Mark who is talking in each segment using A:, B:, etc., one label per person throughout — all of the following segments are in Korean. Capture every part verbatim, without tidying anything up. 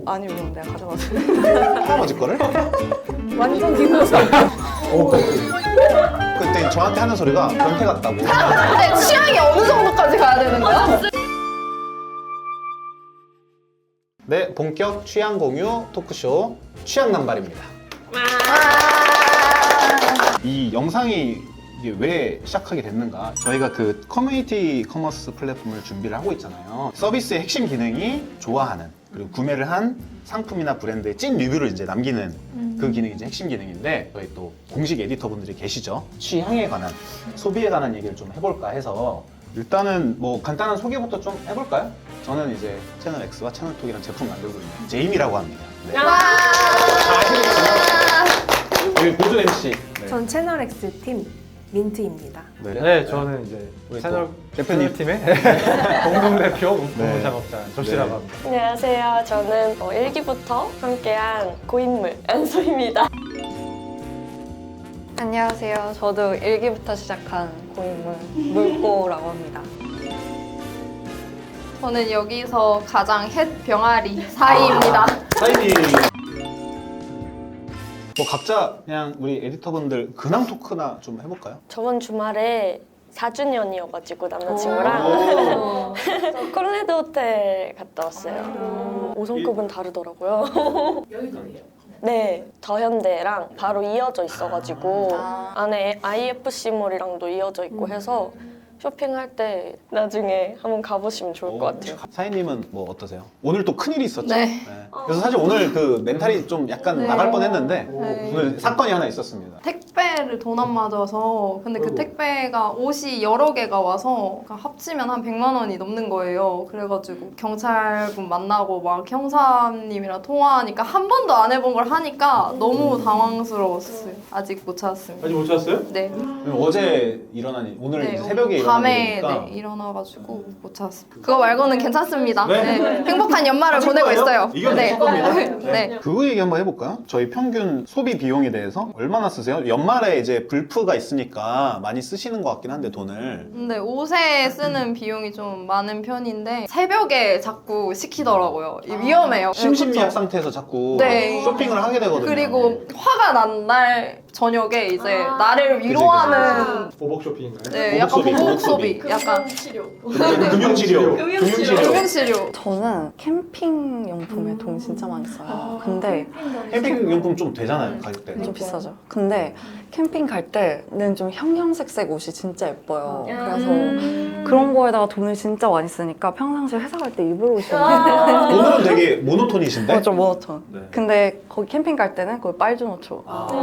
A: 아니면 내가 가져가서
B: 할아버지 거를?
A: 완전 기분상
B: 오, 그때 저한테 하는 소리가 변태 같다고.
C: 근데 취향이 어느 정도까지 가야 되는 거야?
B: 네, 본격 취향 공유 토크쇼 취향 남발입니다. 이 영상이 이게 왜 시작하게 됐는가? 저희가 그 커뮤니티 커머스 플랫폼을 준비를 하고 있잖아요. 서비스의 핵심 기능이 좋아하는 그리고 구매를 한 상품이나 브랜드의 찐 리뷰를 이제 남기는
C: 음.
B: 그 기능이 이제 핵심 기능인데 저희 또 공식 에디터분들이 계시죠. 취향에 관한 소비에 관한 얘기를 좀 해볼까 해서 일단은 뭐 간단한 소개부터 좀 해볼까요? 저는 이제 채널 X와 채널톡이랑 제품 만들고 있는 제임이라고 합니다. 네. 아시겠지만 여기 보조 엠씨. 네.
A: 전 채널 X 팀 민트입니다.
B: 네.
D: 네, 저는 이제
B: 우리
D: 채널
B: 또 대표님.
D: 팀의 공동 대표
B: 네.
D: 문구 작업자 조씨라고
B: 네.
D: 합니다.
E: 안녕하세요. 저는 어, 일 기부터 함께한 고인물 안소입니다.
A: 안녕하세요. 저도 일기부터 시작한 고인물 물고라고 합니다.
C: 저는 여기서 가장 햇 병아리 사이입니다.
B: 사인이 뭐 각자 그냥 우리 에디터분들 근황 토크나 좀 해볼까요?
E: 저번 주말에 사 주년이어가지고 남자친구랑 콜레드 호텔 갔다 왔어요. 오 성급은 다르더라고요.
F: 여의도예요.
E: 네, 더현대랑 바로 이어져 있어가지고 안에 아이에프씨몰이랑도 이어져 있고 해서 쇼핑할 때 나중에 한번 가보시면 좋을 것 같아요.
B: 사인님은 뭐 어떠세요? 오늘 또 큰일이 있었죠?
C: 네.
B: 그래서 사실 오늘 그 멘탈이 좀 약간
C: 네.
B: 나갈 뻔했는데
C: 네.
B: 오늘 사건이 하나 있었습니다.
C: 택배를 돈 안 맞아서 근데 그 택배가 옷이 여러 개가 와서 합치면 한 백만 원이 넘는 거예요. 그래가지고 경찰분 만나고 막 형사님이랑 통화하니까 한 번도 안 해본 걸 하니까 너무 당황스러웠어요. 아직 못 찾았습니다.
D: 아직 못 찾았어요?
C: 네.
B: 그럼 어제 일어난 일, 오늘
C: 네,
B: 이제 새벽에 일어난
C: 밤에
B: 일이니까
C: 네, 일어나가지고 못 찾았습니다. 그거 말고는 괜찮습니다.
B: 네.
C: 네. 행복한 연말을
B: 하실
C: 보내고
B: 거예요?
C: 있어요.
B: 이겨내실 겁니다.
C: 네.
B: 그거 얘기 한번 해볼까요? 저희 평균 소비 비용에 대해서 얼마나 쓰세요? 연말에 이제 불프가 있으니까 많이 쓰시는 것 같긴 한데 돈을
C: 근데 옷에 쓰는 비용이 좀 많은 편인데 새벽에 자꾸 시키더라고요. 이 위험해요.
B: 심신미약 상태에서 자꾸
C: 네.
B: 쇼핑을 하게 되거든요.
C: 그리고 화가 난 날 저녁에 이제 나를 위로하는
D: 보복 쇼핑인가요?
C: 네, 약간
B: 보복 소비,
C: 보복
B: 보복
C: 소비,
B: 소비.
C: 약간
F: 치료.
B: 금융치료. 금융치료.
C: 금융치료.
A: 저는 캠핑 용품에 돈 진짜 많이 써요. 근데
B: 캠핑 용품 좀 되잖아요, 가격대.
A: 좀 비싸죠. 근데 캠핑 갈 때는 좀 형형색색 옷이 진짜 예뻐요. 그래서 그런 거에다가 돈을 진짜 많이 쓰니까 평상시에 회사 갈 때 입을 옷이 없는데
B: 오늘은 되게 모노톤이신데?
A: 어, 좀 모노톤.
B: 네.
A: 근데 거기 캠핑 갈 때는 거기 빨주노초.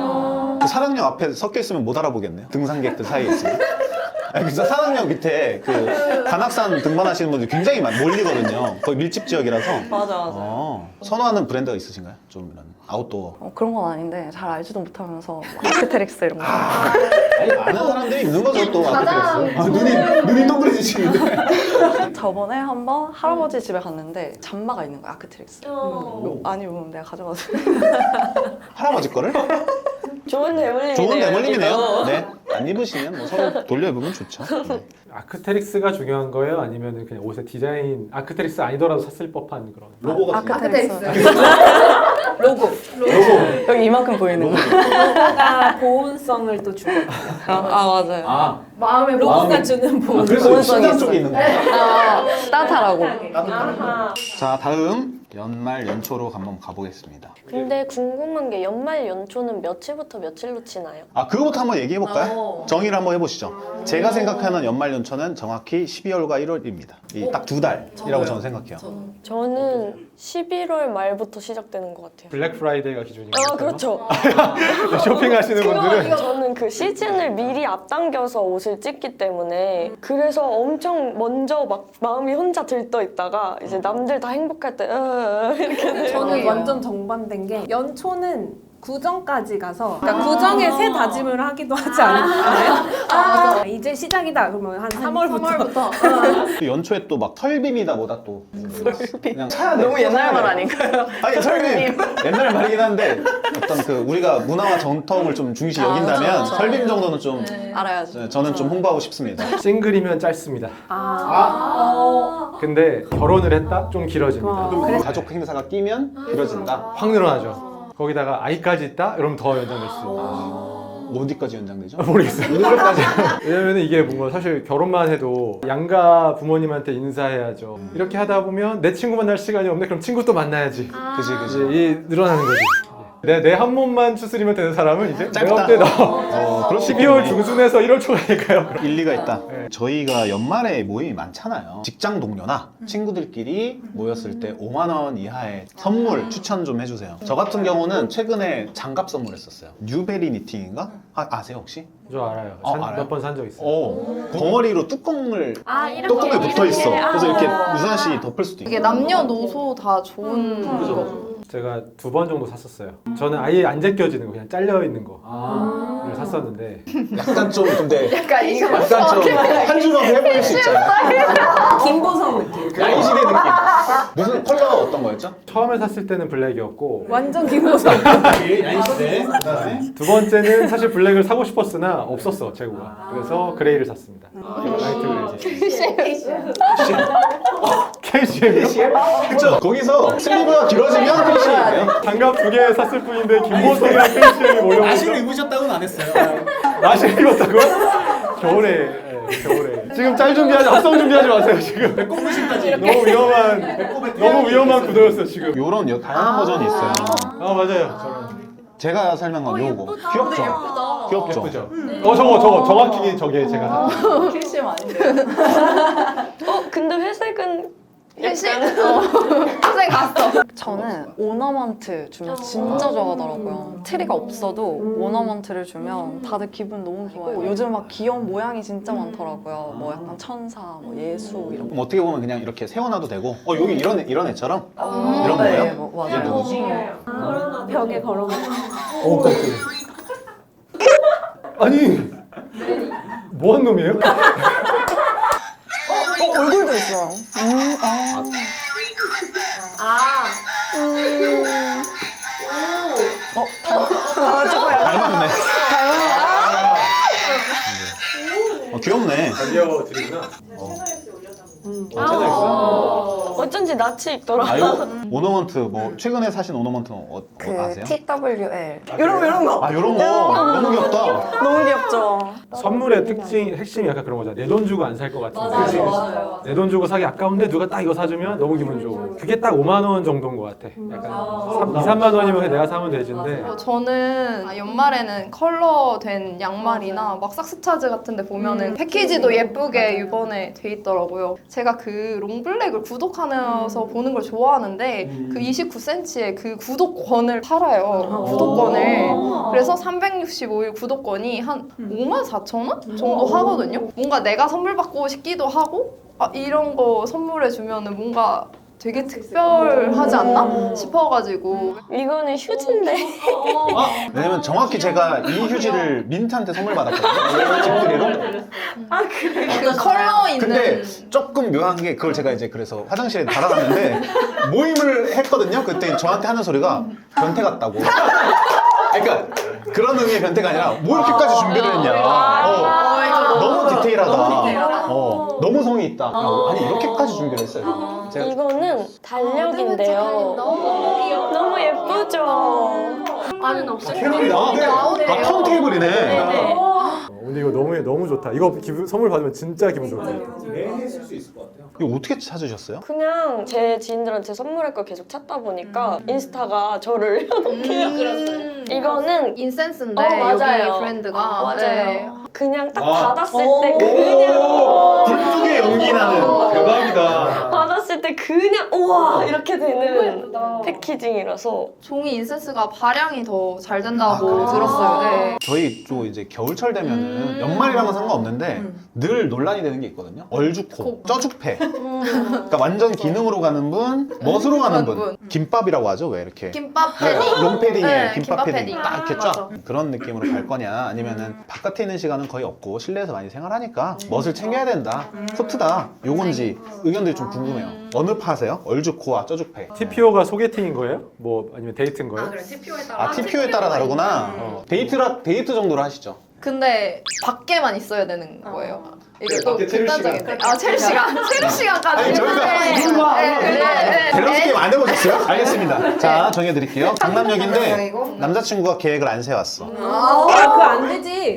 B: 그 사랑역 앞에 섞여 있으면 못 알아보겠네요. 등산객들 사이에 있으면. 아니, 그래서 사랑역 밑에 그 관악산 등반하시는 분들 굉장히 많이 몰리거든요. 거의 밀집 지역이라서.
A: 맞아 맞아.
B: 어, 선호하는 브랜드가 있으신가요? 좀 이런 아웃도어.
A: 어, 그런 건 아닌데 잘 알지도 못하면서 아크테릭스 이런 거.
B: 아니, 아는 사람들이 있는 거죠, 또. 아크테릭스. 아, 눈이, 눈이 동그래지시는데.
A: 저번에 한번 할아버지 집에 갔는데 잠바가 있는 거야 아크테릭스.
E: 어.
A: 아니면 내가 가져가서.
B: 할아버지 거를?
E: 좋은 대물림이네요.
B: 좋은 대물림이네요.
E: 여기도.
B: 네. 안 입으시면 뭐 서로 돌려 입으면 좋죠. 네.
D: 아크테릭스가 중요한 거예요? 아니면 그냥 옷의 디자인 아크테릭스 아니더라도 샀을 법한 그런
B: 로고 같은 거.
A: 아크테릭스.
F: 로고.
B: 로고.
A: 여기 이만큼 보이는 거.
F: 로고가 보온성을 또 주거든요.
A: 아, 아 맞아요.
B: 아,
F: 마음에 로고가
B: 마음에-
F: 주는
B: 아
F: 보온.
B: 그래서
A: 보온성이
B: 신장
A: 있어요.
B: 쪽에 있는 거야.
A: 아, 따뜻하라고.
E: 아하.
B: 자, 다음 연말 연초로 한번 가보겠습니다.
E: 근데 궁금한 게 연말 연초는 며칠부터 며칠로 치나요?
B: 아, 그거부터 한번 얘기해 볼까요?
F: 어.
B: 정의를 한번 해보시죠. 제가 생각하는 연말 연초는 정확히 십이월과 일월입니다. 이 딱 두 달이라고 저는 생각해요.
E: 저는 십일월 말부터 시작되는 것 같아요.
D: 블랙 프라이데이가 기준인가요?
E: 아 그렇죠.
D: 쇼핑하시는 분들은
E: 저는 그 시즌을 미리 앞당겨서 옷을 찍기 때문에 그래서 엄청 먼저 막 마음이 혼자 들떠 있다가 이제 남들 다 행복할 때 으, 이렇게 돼요.
F: 저는 완전 정반대인 게 연초는 구정까지 가서 그러니까 구정에 새 다짐을 하기도 하지 않을까요? 아, 맞아. 이제 시작이다 그러면 한 삼월부터.
C: 삼월부터.
B: 또 연초에 또 막 설빔이다 뭐다 또 그냥 차야 돼.
A: 너무 옛날 말 아닌가요?
B: 아니 설빔 옛날 말이긴 한데 어떤 그 우리가 문화와 전통을 좀 중시 여긴다면 설빔 정도는 좀
A: 알아야죠.
B: 네, 저는 좀 홍보하고 싶습니다.
D: 싱글이면 짧습니다.
F: 아.
D: 근데 결혼을 했다? 좀 길어집니다.
B: 또 가족 행사가 끼면 길어진다.
D: 확 늘어나죠. 거기다가 아이까지 있다? 이러면 더 연장될 수 있는.
B: 뭐 어디까지 연장되죠?
D: 모르겠어요. 오늘까지. 왜냐면 이게 뭔가 사실 결혼만 해도 양가 부모님한테 인사해야죠. 이렇게 하다 보면 내 친구 만날 시간이 없네. 그럼 친구 또 만나야지.
B: 그지 그지.
D: 이제 이 늘어나는 거지. 내 내 한 몸만 추스리면 되는 사람은 이제
B: 짧다.
D: 내가 볼때
B: 어, 그럴 수
D: 십이월
B: 있겠네.
D: 중순에서 일월 초가니까요.
B: 일리가 있다.
D: 네.
B: 저희가 연말에 모임이 많잖아요. 직장 동료나 친구들끼리 모였을 때 오만 원 이하의 선물 추천 좀 해주세요. 저 같은 경우는 최근에 장갑 선물했었어요. 뉴베리 니팅인가? 아, 아세요 혹시?
D: 저 알아요.
B: 어, 알아요?
D: 몇 번 산 적 있어요.
B: 어, 덩어리로 뚜껑을
E: 아, 이렇게
B: 뚜껑에 붙어 있어.
E: 이렇게.
B: 그래서 이렇게
E: 아.
B: 유선 씨 덮을 수도
C: 이게
B: 있고.
C: 남녀노소 다 좋은 거.
D: 제가 두 번 정도 샀었어요. 저는 아예 안 제껴지는 거, 그냥 잘려 있는 거를 샀었는데
B: 약간 좀 근데
C: 약간 이거
B: 약간 좀 한 주먹 해보일 수 있잖아요.
F: 김보성 느낌.
B: 야인시대 느낌. 무슨 컬러가 어떤 거였죠?
D: 처음에 샀을 때는 블랙이었고
F: 완전 김보성.
B: 야인시대. 그다음에
D: 두 번째는 사실 블랙을 사고 싶었으나 없었어 재고가. 그래서 그레이를 샀습니다. 라이트 그레이 샀어요. 케이씨엠이요?
B: 그쵸? 거기서 슬리브가 길어지면 페이시예요.
D: 장갑 두 개 샀을 뿐인데 김보성이랑 케이씨엠이 몰려오니까
G: 나시를 입으셨다고는 안 했어요.
D: 나시 입었다고요? 겨울에 네, 겨울에 지금 짤 준비하지 합성 준비하지 마세요 지금.
G: 배꼽무신까지.
D: 너무 위험한 너무 위험한 구도였어 지금.
B: 요런 여- 다양한 버전이 있어요.
D: 아 맞아요 저런.
B: 제가 설명한 요거. 귀엽죠? 귀엽죠?
D: 예쁘죠? 어 저거 저거 정확히 저게 제가 샀어요.
A: 캐시엠 아닌데요?
E: 어 근데 회색은
C: 회식 어. 회식 갔어.
A: 저는 오너먼트 주면 진짜 좋아하더라고요. 트리가 없어도 오너먼트를 주면 다들 기분 너무 좋아요. 요즘 막 귀여운 모양이 진짜 많더라고요. 뭐 약간 천사, 뭐 예수 이런 거.
B: 그럼 어떻게 보면 그냥 이렇게 세워놔도 되고 어 여기 이런 애, 이런 애처럼
A: 아,
B: 이런
A: 네,
B: 거예요?
A: 뭐,
B: 얘
A: 맞아요.
B: 누구지?
F: 벽에 걸어놓은.
D: 오 깜짝이야. 아니 뭐한 놈이에요?
A: 어, 얼굴도 있어요. 음, 아. 어,
B: 닮았네. 어, 귀엽네.
D: 알려드리구나.
E: 음.
D: 어, 채널 있어?
E: 어쩐지 낯이 익더라.
B: 아, 요 오너먼트 뭐 최근에 사신 오너먼트는 어,
A: 그
B: 어, 아세요?
A: 티 더블유 엘. 이런 이런 거.
B: 아 요런 거 너무 귀엽다.
A: 너무 귀엽죠.
D: 선물의 특징 핵심이 약간 그런 거잖아. 내 돈 주고 안 살 것 같은. 내 돈 주고 사기 아까운데 누가 딱 이거 사주면 너무 기분 좋고. 그게 딱 오만 원 정도인 것 같아. 약간 이, 삼만 원이면 그냥 내가 사면 되지인데.
C: 어, 저는 연말에는 컬러된 양말이나 막 삭스차즈 같은 데 보면은 패키지도 예쁘게 이번에 돼 있더라고요. 제가 그 롱블랙을 구독하면서 보는 걸 좋아하는데 그 이십구 센티미터의 그 구독권을 팔아요. 구독권을. 그래서 삼백육십오 일 구독권이 한 오만 사천 원 정도 하거든요. 뭔가 내가 선물 받고 싶기도 하고 아, 이런 거 선물해 주면은 뭔가 되게 특별하지 않나 싶어가지고
E: 이거는 휴지인데.
B: 왜냐면 정확히 제가 이 휴지를 민트한테 선물 받았거든요. 집들이로.
C: 그 컬러 있는
B: 근데 조금 묘한 게 그걸 제가 이제 그래서 화장실에 달아놨는데 모임을 했거든요. 그때 저한테 하는 소리가 변태 같다고. 그러니까 그런 의미의 변태가 아니라 뭐 이렇게까지 준비를 했냐. 어, 너무 디테일하다. 어, 너무 성의 있다. 아니 이렇게까지 준비를 했어요. 제가
E: 이거는 달력인데요. 너무 예쁘죠?
B: 캐롤이다. 아 턴테이블이네.
E: 네.
D: 어, 근데 이거 너무 너무 좋다. 이거 기분, 선물 받으면 진짜 기분 좋다.
G: 매일 쓸 수 있을 것 같아요.
B: 이거 어떻게 찾으셨어요?
E: 그냥 제 지인들한테 선물할 걸 계속 찾다 보니까 인스타가 저를 이렇게
C: 음.
E: 이거는
C: 인센스인데
E: 어, 맞아요.
C: 여기 브랜드가
E: 아, 맞아요.
C: 네.
E: 그냥 딱
B: 아.
E: 받았을 때 그냥
B: 불뚝의 연기 나는 대박이다.
E: 받았을 때 그냥 우와 이렇게 되는 패키징이라서
C: 종이 인센스가 발향이 더 잘 된다고
B: 아, 그래요?
C: 들었어요. 네.
B: 저희 또 이제 겨울철 되면은
C: 음.
B: 연말이랑은 상관없는데 늘 논란이 되는 게 있거든요. 얼죽코, 쪄죽패. 그러니까 완전 기능으로 가는 분, 멋으로 가는 분. 김밥이라고 하죠, 왜 이렇게.
C: 김밥
B: 네,
C: 패딩.
B: 롱패딩에
C: 네,
B: 김밥
C: 김밥
B: 패딩
C: 패딩.
B: 딱 이렇게
C: 아,
B: 쫙
C: 맞아.
B: 그런 느낌으로 갈 거냐 아니면은 바깥에 있는 시간은 거의 없고 실내에서 많이 생활하니까 멋을 챙겨야 된다 소프트다 요건지 의견들이 좀 궁금해요. 어느 파세요? 얼죽코와 쪄죽패.
D: 티피오가 소개팅인 거예요? 뭐 아니면 데이트인 거예요?
B: 아 티피오에 따라 다르구나.
D: 어.
B: 데이트라 데이트 정도로 하시죠.
C: 근데 밖에만 있어야 되는 거예요. 이게 또
B: 밖에 체류 시간.
C: 극단적인데. 아, 체류 시간. 체류 시간까지.
B: 아니 저희가
C: 네.
B: 이리 와,
C: 네,
B: 이리 와.
C: 네, 네,
B: 밸런스
C: 네.
B: 게임 안 해보셨어요? 알겠습니다. 자 정해드릴게요. 강남역인데
C: 이거?
B: 남자친구가 계획을 안 세웠어.
F: 아, 그거 안 되지.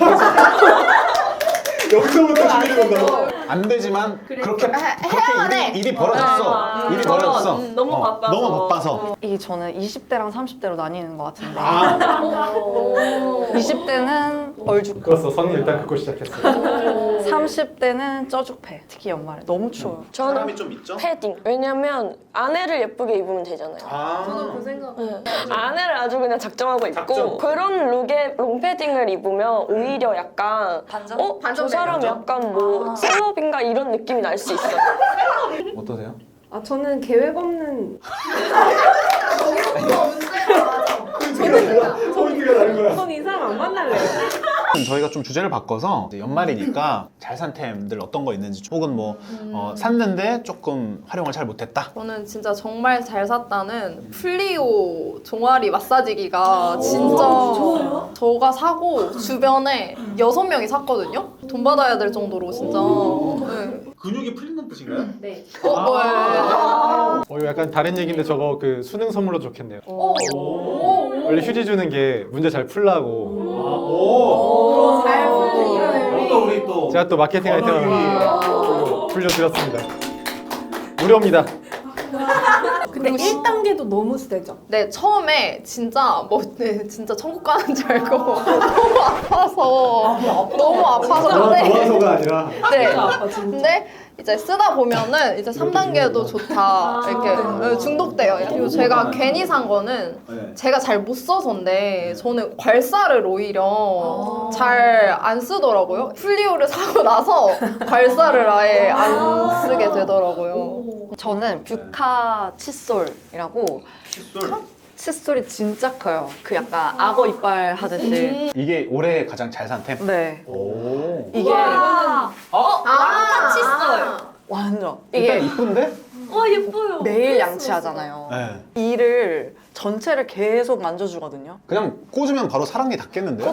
G: 여기서부터 준비를 건다고?
B: 안 되지만 그렇게
C: 해야
B: 그렇게
C: 돼.
B: 일이, 일이 벌어졌어. 일이 벌어졌어.
E: 음, 너무
B: 어,
E: 바빠서.
B: 너무 바빠서.
A: 이게 저는 이십 대랑 삼십 대로 나뉘는 것 같은데
B: 아,
A: 이십 대는 얼죽,
D: 그렇어. 선이 일단 긋고 시작했어요.
A: 삼십 대는 쪄죽패. 특히 연말에 너무 추워요.
E: 저는
B: 좀 있죠?
E: 패딩. 왜냐면 아내를 예쁘게 입으면 되잖아요.
B: 아,
E: 네. 아내를 아주 그냥 작정하고 입고
B: 작정.
E: 그런 룩에 롱패딩을 입으면 오히려 약간
A: 반전?
E: 어? 저 사람 약간 뭐 셀럽인가 이런 느낌이 날 수 있어요.
B: 어떠세요?
F: 아, 저는 계획 없는.
G: 포인트가 다른 거야.
F: 전 이 사람 안 만날래요.
B: 저희가 좀 주제를 바꿔서 이제 연말이니까 잘 산 템들 어떤 거 있는지 혹은 뭐 어, 샀는데 조금 활용을 잘 못했다.
C: 저는 진짜 정말 잘 샀다는 플리오 종아리 마사지기가 진짜 저가 사고 주변에 여섯 명이 샀거든요. 돈 받아야 될 정도로 진짜. 네.
G: 근육이 풀리는 뜻인가요?
F: 네.
C: 어, 뭐예요?
D: 어, 이거 약간 다른 얘기인데 저거 그 수능 선물로 좋겠네요. 원래 휴지 주는 게 문제 잘 풀라고.
G: 오.
F: 잘 풀리네.
G: 또 우리 또.
D: 제가 또 마케팅 아이템을 풀려드렸습니다. 무료입니다.
F: 근데 일 단계도 너무 세죠.
C: 네, 처음에 진짜 뭐 네, 진짜 천국 가는 줄 알고 너무 아파서 너무 아파서 근데
G: 좋아서가 아니라.
C: 네.
F: 아파, 진짜.
C: 근데 이제 쓰다 보면은 이제 삼 단계도 좋다 이렇게 네, 중독돼요. 그리고 제가 괜히 산 거는
G: 네.
C: 제가 잘 못 써서인데 저는 괄사를 오히려 잘 안 쓰더라고요. 플리오를 사고 나서 괄사를 아예 안 쓰게 되더라고요.
A: 저는 뷰카 칫솔이라고 칫솔이 진짜 커요. 그 약간 악어 이빨 하듯이.
B: 이게 올해 가장 잘 산 템.
A: 네.
B: 오.
A: 이게
C: 아, 칫솔.
A: 완전
B: 일단
A: 이게
B: 이쁜데?
A: 매일 양치하잖아요.
B: 네.
A: 이를 전체를 계속 만져주거든요.
B: 그냥 꽂으면 바로 사랑니 닿겠는데요?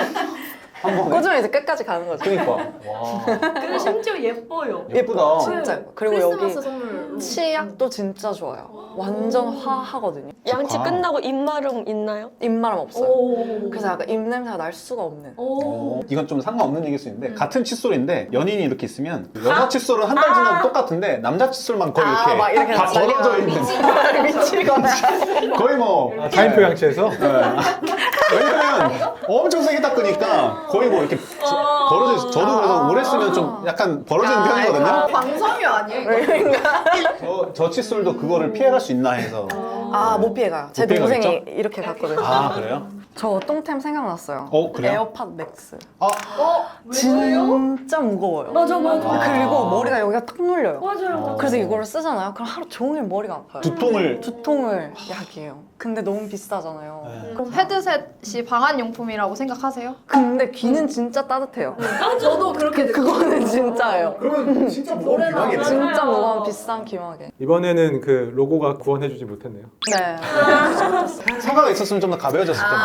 B: 한 번에?
A: 꽂으면 이제 끝까지 가는 거죠.
B: 그니까. 와.
H: 그리고 심지어 예뻐요.
B: 예쁘다.
A: 진짜 예뻐요. 그리고 여기
H: 크리스마스 선물.
A: 치약도 진짜 좋아요. 완전 화하거든요.
E: 양치
B: 아.
E: 끝나고 입마름 있나요?
A: 입마름 없어요.
H: 오.
A: 그래서 약간 입냄새가 날 수가 없는.
H: 오.
B: 어, 이건 좀 상관없는 얘기일 수 있는데 같은 칫솔인데 연인이 이렇게 있으면 여자 칫솔은 한 달 지나도 똑같은데 남자 칫솔만 거의
A: 아,
B: 이렇게,
A: 막 이렇게
B: 다
A: 자기가
B: 벌어져 있는
A: 미치거나.
B: 거의 뭐
D: 아, 타임표 양치해서?
B: 왜냐면 엄청 세게 닦으니까 거의 뭐 이렇게 저- 벌어져 있어. 저도 그래서 오래 쓰면 좀 약간 벌어지는 편이거든요.
C: 광섬유 아니에요?
B: 저, 저 칫솔도 그거를 피해갈 수 있나 해서.
A: 아, 못 피해가요. 제
B: 못 피해가겠죠?
A: 동생이 이렇게 갔거든요.
B: 아 그래요?
A: 저 똥템 생각났어요.
B: 어, 그래요?
A: 에어팟 맥스.
B: 아
A: 진짜 무거워요.
H: 맞아 맞아.
B: 아.
A: 그리고 머리가 여기가 탁 눌려요.
H: 맞아요.
A: 그래서 이거를 쓰잖아요. 그럼 하루 종일 머리가 아파요.
B: 두통을
A: 두통을 약이에요. 근데 너무 비싸잖아요.
B: 네.
C: 그럼 헤드셋이 방한용품이라고 생각하세요?
A: 근데 귀는 진짜 따뜻해요.
H: 저도 그렇게
A: 그거는 진짜예요.
G: 그러면 진짜 무거운 비하겠네.
A: 진짜 무거운 비싼 귀마개.
D: 이번에는 그 로고가 구원해주지 못했네요.
A: 네.
B: 사과가 있었으면 좀 더 가벼워졌을 텐데.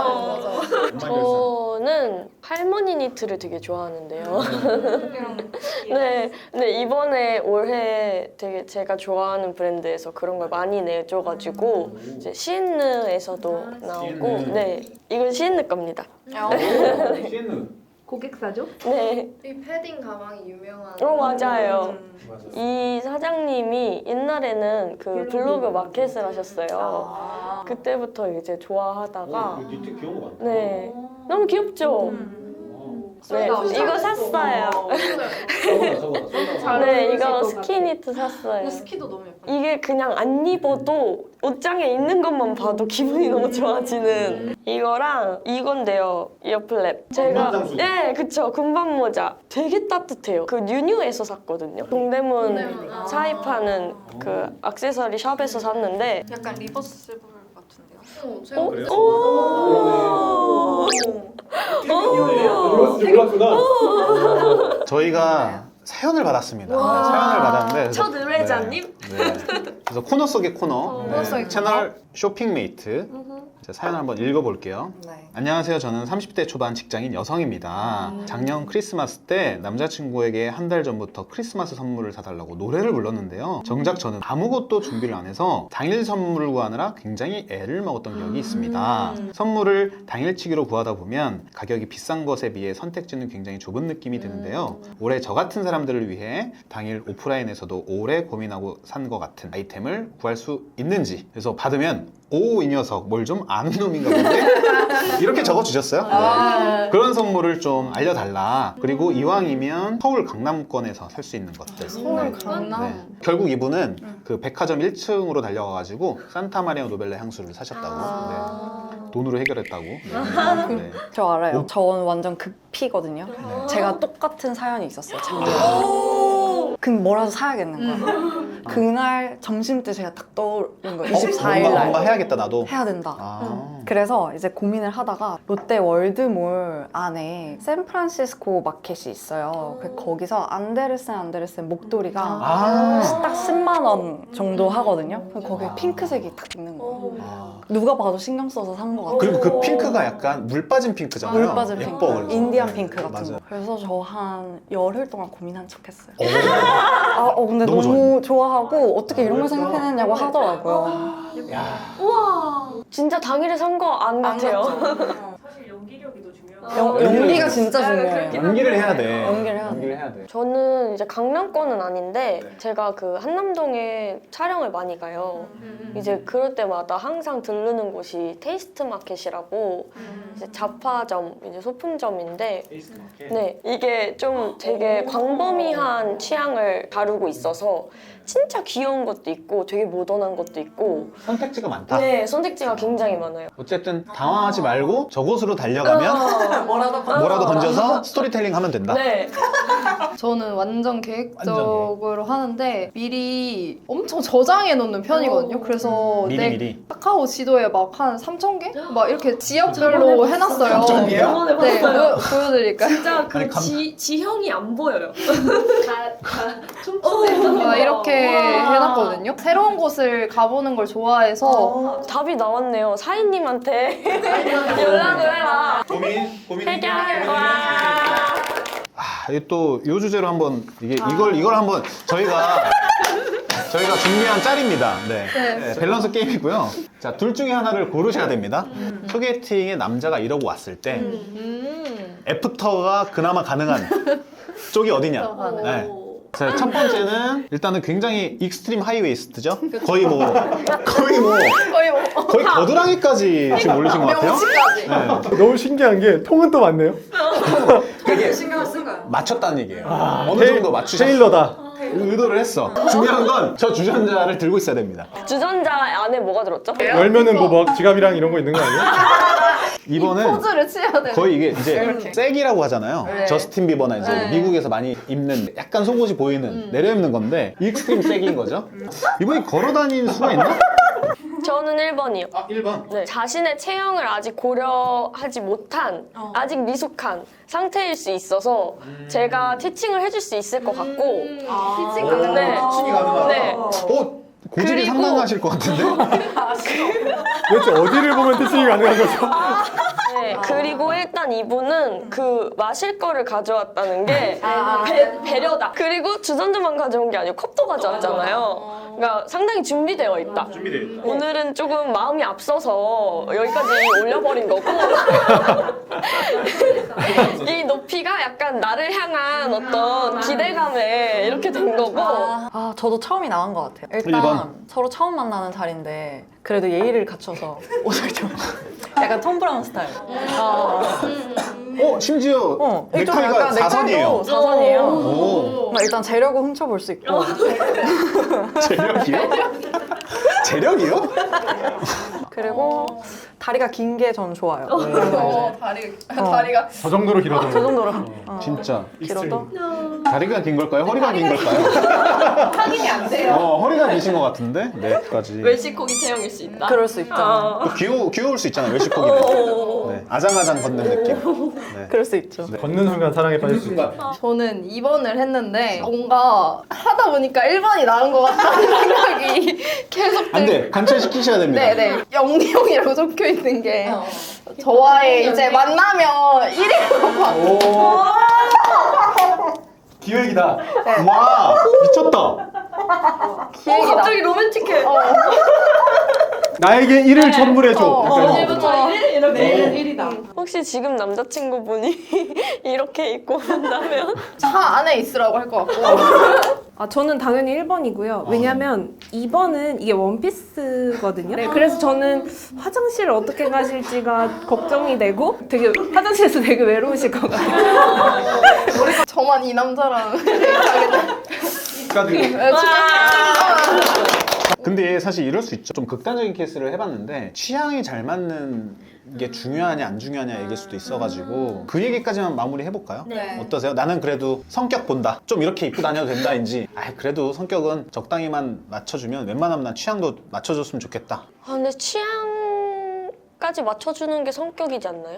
E: 저는 할머니 니트를 되게 좋아하는데요. 네, 근데 이번에 올해 되게 제가 좋아하는 브랜드에서 그런 걸 많이 내줘가지고 이제 시인느에서도 나오고,
B: 시인느.
E: 네, 이건 시인느 겁니다.
B: 시엔느.
F: 고객사죠?
E: 네,
C: 이 패딩 가방이 유명한.
E: 어 맞아요.
B: 맞아.
E: 이 사장님이 옛날에는 그 블로그 마켓을 하셨어요. 그때부터 이제 좋아하다가
B: 니트 귀여운 거 같아.
E: 네, 너무 귀엽죠. 네, 이거 샀어요.
B: 저거다 저거다.
C: 잘
E: 네,
C: 어울리실
E: 이거
C: 것
E: 스키니트 샀어요.
H: 근데 스키도 너무 예뻐.
E: 이게 그냥 안 입어도 옷장에 있는 것만 봐도 기분이 너무 좋아지는 이거랑 이건데요. 이어플랩. 제가
G: 군밤장수.
E: 네, 그쵸. 군밤 모자. 되게 따뜻해요. 그 뉴뉴에서 샀거든요. 동대문
H: 동대문. 아.
E: 사입하는 그 액세서리 샵에서 샀는데
H: 약간 리버스블 같은데요? 어,
E: 어?
H: 제가
E: 오!
D: 이거 진짜 몰랐구나.
B: 저희가 사연을 받았습니다. 네, 사연을 받았는데 그래서-
H: 첫 의뢰자님?
B: 네, 네. 그래서 코너 속의 코너, 네,
C: 코너 속의
B: 채널 쇼핑메이트 제 사연을 한번 읽어볼게요.
A: 네.
B: 안녕하세요. 저는 삼십 대 초반 직장인 여성입니다. 작년 크리스마스 때 남자친구에게 한 달 전부터 크리스마스 선물을 사달라고 노래를 불렀는데요. 정작 저는 아무것도 준비를 안 해서 당일 선물을 구하느라 굉장히 애를 먹었던 기억이 있습니다. 선물을 당일치기로 구하다 보면 가격이 비싼 것에 비해 선택지는 굉장히 좁은 느낌이 드는데요. 올해 저 같은 사람들을 위해 당일 오프라인에서도 오래 고민하고 산 것 같은 아이템을 구할 수 있는지, 그래서 받으면 오, 이 녀석 뭘 좀 아는 놈인가 본데? 이렇게 적어주셨어요. 네. 그런 선물을 좀 알려달라. 그리고 이왕이면 서울 강남권에서 살 수 있는 것들.
C: 서울
B: 네.
C: 강남.
B: 네. 결국 이분은 그 백화점 일 층으로 달려가가지고 산타마리아 노벨라 향수를 사셨다고. 네. 돈으로 해결했다고. 네. 네.
A: 저 알아요.
B: 오.
A: 저는 완전 극피거든요. 제가 똑같은 사연이 있었어요. 작년에. 그럼 뭐라도 사야겠는 거야. 그날 점심 때 제가 딱 떠오른 거예요. 이십사 일
B: 뭔가,
A: 날.
B: 뭔가 해야겠다 나도.
A: 해야 된다.
B: 아.
A: 그래서 이제 고민을 하다가 롯데 월드몰 안에 샌프란시스코 마켓이 있어요. 그 거기서 안데르센 안데르센 목도리가
B: 아.
A: 딱 십만 원 정도 하거든요. 그럼 거기에 핑크색이 딱 있는 거예요.
B: 아.
A: 누가 봐도 신경 써서 산 것 같아요.
B: 그리고 그 핑크가 약간 물 빠진 핑크잖아요.
A: 물 빠진 핑크,
B: 예뻐, 그래서.
A: 인디안 핑크 같은
B: 맞아요.
A: 거. 그래서 저 한 열흘 동안 고민한 척했어요.
B: 오.
A: 아, 어, 근데
B: 너무
A: 너무, 좋아하고 어떻게 이런 걸 생각해냈냐고 하더라고요.
E: 진짜 당일에 산 거 안 같아요.
H: 사실 연기력이 더 중요하고.
A: 연, 연기가 진짜 중요해요.
B: 연기를 해야 돼.
A: 연기를 해야 돼.
B: 연기를 해야 돼.
E: 저는 이제 강남권은 아닌데
B: 네.
E: 제가 그 한남동에 촬영을 많이 가요. 이제 그럴 때마다 항상 들르는 곳이 테이스트 마켓이라고 이제 잡화점, 이제 소품점인데 네, 이게 좀 되게 광범위한 취향을 다루고 있어서 진짜 귀여운 것도 있고 되게 모던한 것도 있고
B: 선택지가 많다.
E: 네, 선택지가 굉장히 많아요.
B: 어쨌든 당황하지 말고 저곳으로 달려가면
A: 뭐라도
B: 뭐라도 건져서 스토리텔링 하면 된다.
E: 네.
C: 저는 완전 계획적으로 하는데 미리 엄청 저장해 놓는 편이거든요. 그래서
B: 미리
C: 내
B: 미리.
C: 카카오 지도에 막 한 삼천 개? 막 이렇게 지역별로 해놨어요.
B: 삼천 개요?
H: 저번에
C: 네,
H: 봤어요.
C: 보여, 보여드릴까요?
H: 진짜 그
B: 아니, 감-
H: 지, 지형이 안 보여요. 다, 다 촘촘해서.
C: 막 이렇게 해놨거든요. 새로운 곳을 가보는 걸 좋아해서
E: 답이 나왔네요. 사인님한테 연락을 해라.
B: 고민 고민
E: 해결할 거야.
B: 아, 이게 또 이 주제로 한번 이게 이걸 이걸 한번 저희가 저희가 준비한 짤입니다. 네. 네, 밸런스 게임이고요. 자, 둘 중에 하나를 고르셔야 됩니다. 소개팅에 남자가 이러고 왔을 때
C: 음.
B: 애프터가 그나마 가능한 쪽이 어디냐? 네. 자, 첫 번째는 일단은 굉장히 익스트림 하이웨이스트죠. 거의 뭐 거의 뭐
C: 거의 뭐
B: 거의 겨드랑이까지 지금 올리신 것 같아요. 네.
D: 너무 신기한 게 통은 또 많네요.
B: 그게
H: 신경을 쓴 거야.
B: 맞췄다는 얘기예요.
D: 아,
B: 어느
D: 테일-
B: 정도 맞추셨어.
D: 테일러다.
B: 의도를 했어. 중요한 건 저 주전자를 들고 있어야 됩니다.
E: 주전자 안에 뭐가 들었죠?
D: 열면은 뭐 막 지갑이랑 이런 거 있는 거 아니에요?
B: 이번은
C: 포즈를 취해야 돼.
B: 거의 이게 이제 색이라고 하잖아요.
C: 네.
B: 저스틴 비버나 이제
C: 네.
B: 미국에서 많이 입는 약간 속옷이 보이는 내려입는 건데 익스트림 색인 거죠. 이분이 걸어다니는 수가 있나?
E: 저는 일 번이요.
B: 아, 일 번.
E: 네, 자신의 체형을 아직 고려하지 못한, 아직 미숙한 상태일 수 있어서 제가 티칭을 해줄 수 있을 것 같고
C: 피칭
E: 네.
B: 티칭이 가능하다.
E: 네.
B: 어, 고집이
E: 그리고-
B: 상당하실 것 같은데?
D: 도대체 어디를 보면 티칭이 가능한 거죠?
E: 네, 그리고 일단 이분은 그 마실 거를 가져왔다는 게 배, 배려다. 그리고 주전자만 가져온 게 아니고 컵도 가져왔잖아요. 그러니까 상당히 준비되어 있다.
G: 준비되어 있다.
E: 오늘은 조금 마음이 앞서서 여기까지 올려버린 거고 이 높이가 약간 나를 향한 어떤 기대감에 이렇게 된 거고
A: 아, 저도 처음이 나은 것 같아요. 일단
B: 일 번.
A: 서로 처음 만나는 자리인데 그래도 예의를 갖춰서 옷을 좀 약간 톰 브라운 스타일. 어.
B: 어 심지어
A: 어, 이게 좀
B: 넥타이가
A: 약간
B: 사선이에요.
A: 넥타이도 사선이에요.
B: 오.
A: 막 일단 재력을 훔쳐볼 수 있고.
B: 재력이요? 재력이요?
A: 그리고 다리가 긴 게 전 좋아요.
C: 어, 다리, 다리가.
D: 저 정도로 길어도
A: 그 정도로 어,
B: 진짜
A: 길어도.
B: 다리가 긴 걸까요? 허리가 긴 걸까요?
F: 확인이 안 돼요.
B: 어 허리가 기신 것 같은데 네까지.
H: 웰시코기 체형일 수 있다.
A: 그럴 수 있죠.
B: 귀여 귀여울 수 있잖아요 외식고기는. 네, 아장아장 걷는 느낌. 네.
A: 그럴 수 있죠.
D: 걷는 순간 사랑에 빠질 수 있다.
C: 저는 이 번을 했는데 뭔가 하다 보니까 일 번이 나은 것 같다는 생각이 계속 들.
B: 안돼 관찰시키셔야 됩니다.
C: 네네. 영리형이라고 적혀 있는 게 저와의 이제 만나면 일 위로 봐.
D: 기획이다.
B: 와 미쳤다.
C: 기획이다.
H: 갑자기 로맨틱해.
D: 나에게 일을 선물해줘.
C: 어,
D: 약간 이런 거.
H: 오늘부터 일 이렇게.
F: 내일은 일이다.
E: 혹시 지금 남자친구분이 이렇게 입고 온다면?
C: 차 안에 있으라고 할 것 같고.
F: 아, 저는 당연히 일 번이고요. 왜냐면 이 번은 이게 원피스거든요. 네, 그래서 저는 화장실을 어떻게 가실지가 걱정이 되고 되게 화장실에서 되게 외로우실 것 같아요.
C: 저만 이 남자랑 데이트하게 돼.
B: 축하드립니다.
C: 네, 축하드립니다.
B: 근데 사실 이럴 수 있죠. 좀 극단적인 케이스를 해봤는데 취향이 잘 맞는 게 중요하냐 안 중요하냐 얘기일 수도 있어가지고 그 얘기까지만 마무리 해볼까요?
C: 네.
B: 어떠세요? 나는 그래도 성격 본다. 좀 이렇게 입고 다녀도 된다인지. 아 그래도 성격은 적당히만 맞춰주면 웬만하면 난 취향도 맞춰줬으면 좋겠다.
E: 아 근데 취향까지 맞춰주는 게 성격이지 않나요?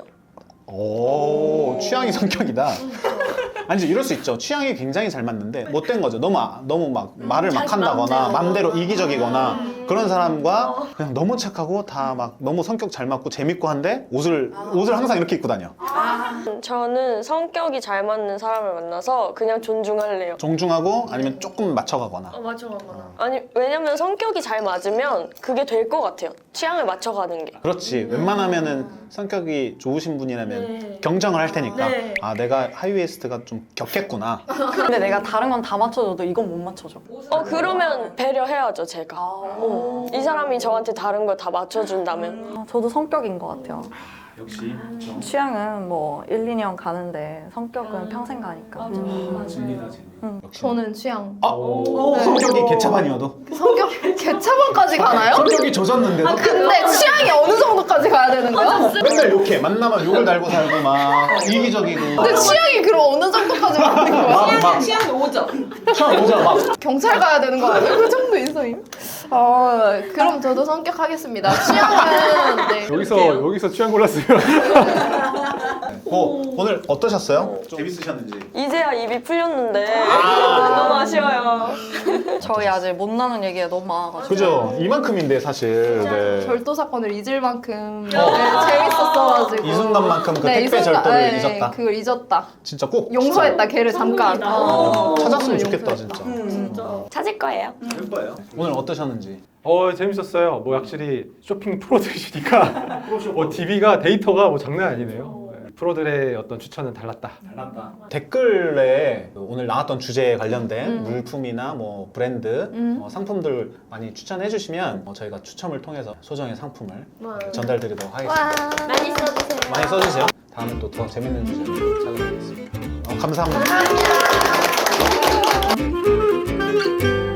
B: 오 취향이 성격이다. 아니지 이럴 수 있죠. 취향이 굉장히 잘 맞는데 못된 거죠. 너무 아- 너무 막 말을 막 한다거나 맘대로 이기적이거나 그런 사람과 그냥 너무 착하고 다 막 너무 성격 잘 맞고 재밌고 한데 옷을 옷을 항상 이렇게 입고 다녀.
E: 음, 저는 성격이 잘 맞는 사람을 만나서 그냥 존중할래요.
B: 정중하고 아니면 조금 맞춰가거나.
H: 어 맞아 맞아.
E: 아니 왜냐면 성격이 잘 맞으면 그게 될 것 같아요. 취향을 맞춰가는 게.
B: 그렇지. 웬만하면은 성격이 좋으신 분이라면
H: 네.
B: 경정을 할 테니까
H: 네.
B: 아 내가 하이웨스트가 좀 격했구나.
A: 근데 내가 다른 건 다 맞춰줘도 이건 못 맞춰줘.
E: 어 그러면 배려해야죠 제가. 어, 이 사람이 저한테 다른 걸 다 맞춰준다면.
A: 아, 저도 성격인 것 같아요.
D: 역시
A: 취향은 뭐 일, 이 년 가는데 성격은 평생 가니까.
D: 진리다 진리.
B: 역시.
C: 저는 취향.
B: 아 성격이 개차반이어도
C: 성격 개차반까지 가나요?
B: 성격이 젖었는데도
C: 근데 취향이 어느 정도까지 가야 되는 거야?
B: 맨날 욕해. 만나면 욕을 달고 살고 막 이기적이고.
C: 근데 취향이 그럼 어느 정도까지 가는 거야?
B: 막, 막
H: 취향이 오점.
B: 처음 오자 막
C: 경찰 가야 되는 거 아니에요? 그 정도 인성임? 아, 그럼 저도 성격 하겠습니다. 취향은 네.
D: 여기서 여기서 취향 골랐으면
B: 어, 오늘 어떠셨어요? 재밌으셨는지.
E: 이제야 입이 풀렸는데 너무 아쉬워요.
A: 저희 아직 못 나눈 얘기가 너무 많아가지고.
B: 그죠? 이만큼인데 사실. 네.
C: 절도 사건을 잊을 만큼 네, 재밌었어가지고
B: 이 순간만큼 그
C: 네, 이
B: 택배
C: 순간,
B: 절도를
C: 네,
B: 잊었다.
C: 그걸 잊었다.
B: 진짜 꼭
C: 용서했다 걔를 잠깐.
B: 진짜 찾았으면
C: 오늘
B: 좋겠다
C: 용서했다.
B: 진짜.
E: 찾을 거예요.
B: 오늘 어떠셨는지.
D: 어 재밌었어요. 뭐 확실히 쇼핑 프로들이시니까 뭐 디비가 데이터가 뭐 장난 아니네요. 네, 프로들의 어떤 추천은 달랐다. 달랐다.
B: 댓글에 그 오늘 나왔던 주제에 관련된
C: 음.
B: 물품이나 뭐 브랜드,
C: 음.
B: 어, 상품들 많이 추천해 주시면 어, 저희가 추첨을 통해서 소정의 상품을
H: 네.
B: 전달드리도록 하겠습니다.
H: 많이 써주세요.
B: 많이 써주세요. 다음에 또 더 재밌는 주제로 찾아뵙겠습니다. 어, 감사합니다.
C: 감사합니다.